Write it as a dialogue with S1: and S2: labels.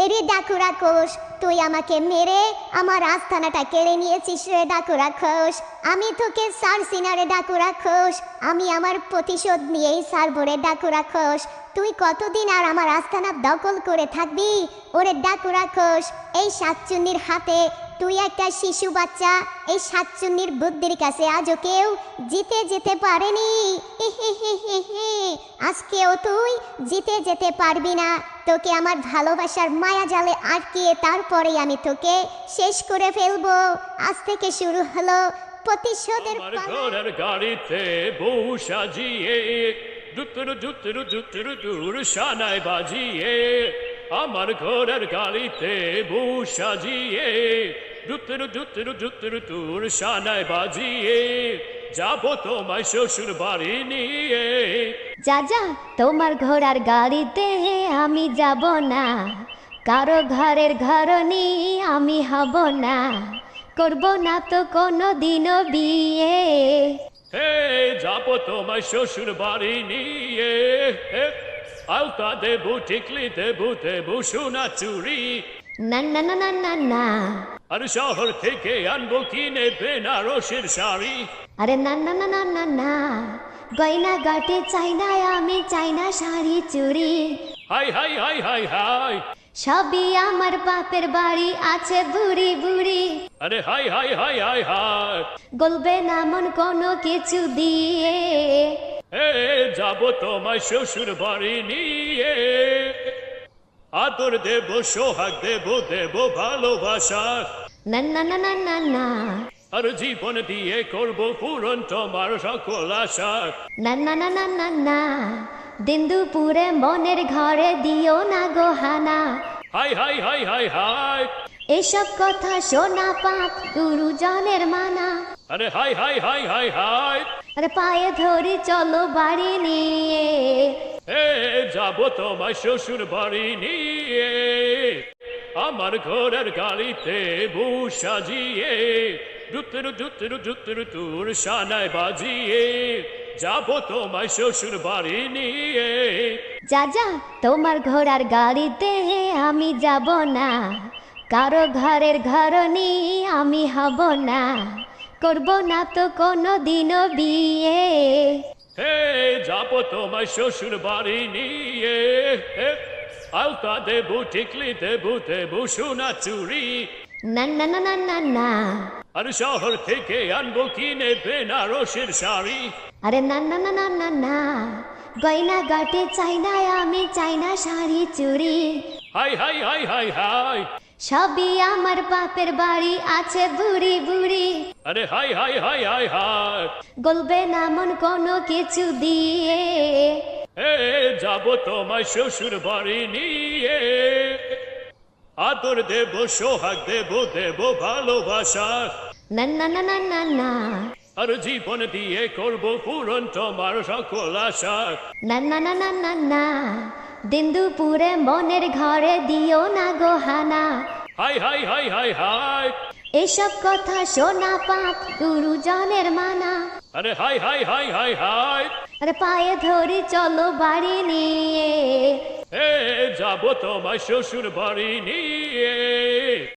S1: এরে ডাকু রাক্ষস, তুই আমাকে মেরে আমার আস্তানাটা কেড়ে নিয়েছিস রে ডাকু রাক্ষস। আমি তোকে ছাড়ছি না রে ডাকু রাক্ষস, আমি আমার প্রতিশোধ নিয়েই ছাড়বো রে ডাকু রাক্ষস। তুই কতদিন আর আমার আস্তানা দখল করে থাকবি ওরে ডাকু রাক্ষস? এই শাকচুন্নির হাতে তুই একটা শিশু বাচ্চা, এই শাকচুন্নির বুদ্ধির কাছে আজও কেউ জিতে যেতে পারেনি। আজকেও তুই জিতে যেতে পারবি না। তোকে আমার ভালোবাসার মায়া জালে আটকিয়ে তারপরেই আমি তোকে শেষ করে ফেলবো। আজ থেকে শুরু হলো প্রতিশোধের
S2: আমার
S1: পালা।
S2: ঘরের গাড়িতে বউ সাজিয়ে দুতুরু দুতুরু দুতুরু দূর সানায় বাজিয়ে, আমার ঘরের গাড়িতে বউ সাজিয়ে দুতুরু দুতুরু দুতুরু দূর সানায় বাজিয়ে, যাবো তোমায় শ্বশুর বাড়ি নিয়ে।
S3: যা যা, তোমার ঘোড়ার গাড়িতে আমি যাব না, কারো ঘরের ঘরনি আমি হব না, করব না তো কোনো দিনও বিয়ে।
S2: হে যাবো তোমায় শ্বশুর বাড়ি নিয়ে, আলতা দেবো টিকলি দেবো দেবো সোনা চুরি,
S3: না না না না না না,
S2: আর শহর থেকে আনবো কিনে বেনারসের শাড়ি।
S3: আরে না না না না না না, গয়না গাটে চাই না, আমি চাই না শাড়ি চুরি।
S2: হাই হাই হাই হাই হাই,
S3: সবই আমার বাপের বাড়ি আছে বুড়ি বুড়ি,
S2: আরে হাই হাই হাই হাই হাই,
S3: গলবে না মন কোনো কিছু দিয়ে।
S2: হে যাবো তোমায় শ্বশুর বাড়ি নিয়ে, আদর দেবো সোহাগ দেবো দেবো ভালোবাসা,
S3: না না না না না না,
S2: আর জীবন দিয়ে করবো পূরণ তোমার সকল আশা।
S3: না না না না না না, দিন দুপুরে মনের ঘরে দিও না গোহানা,
S2: হাই হাই হাই হাই হাই,
S3: এসব কথা শোনা পাপ গুরুজনের মানা।
S2: আরে হাই হাই হাই হাই হাই,
S3: আরে পায়ে ধরি চলো বাড়ি নিয়ে।
S2: হে যাবো তোমায় শ্বশুর বাড়ি নিয়ে, আমার ঘরের গাড়িতে বউ সাজিয়ে দুতুরু দুতুরু দুতুরু তুর সানায় বাজিয়ে, যাবো তোমায় শ্বশুর বাড়ি নিয়ে।
S3: যা যা, তোমার ঘোড়ার গাড়িতে আমি যাব না, কারো ঘরের ঘরনি আমি হব না, করব না তো কোনো দিনও বিয়ে।
S2: হে যাবো তোমায় শ্বশুর বাড়ি নিয়ে, আলতা দেবো টিকলি দেবো দেবো সোনা চুরি,
S3: না না না না না না,
S2: আর শহর থেকে আনবো কিনে বেনারসের শাড়ি।
S3: আরে না না না না না না, গয়না গাটে চাই না, আমি চাই না শাড়ি চুরি।
S2: হাই হাই হাই হাই হাই,
S3: সবই আমার বাপের বাড়ি আছে বুড়ি বুড়ি,
S2: আরে হাই হাই হাই হাই হাই,
S3: গলবে না মন কোনো কিছু দিয়ে।
S2: হে যাবো তোমায় শ্বশুর বাড়ি নিয়ে, আদর দেবো সোহাগ দেবো দেবো ভালোবাসা,
S3: না না না না না না,
S2: আর জীবন দিয়ে করবো পূরণ তোমার সকল আশা।
S3: না না না না না না, দিন দুপুরে মনের ঘরে দিও না গোহানা,
S2: হাই হাই হাই হাই হাই,
S3: এসব কথা শোনা পাপ গুরুজনের মানা।
S2: আরে হাই হাই হাই হাই হাই,
S3: আরে পায়ে ধরি চলো বাড়ি নিয়ে।
S2: হে যাবো তোমায় শ্বশুর বাড়ি নিয়ে।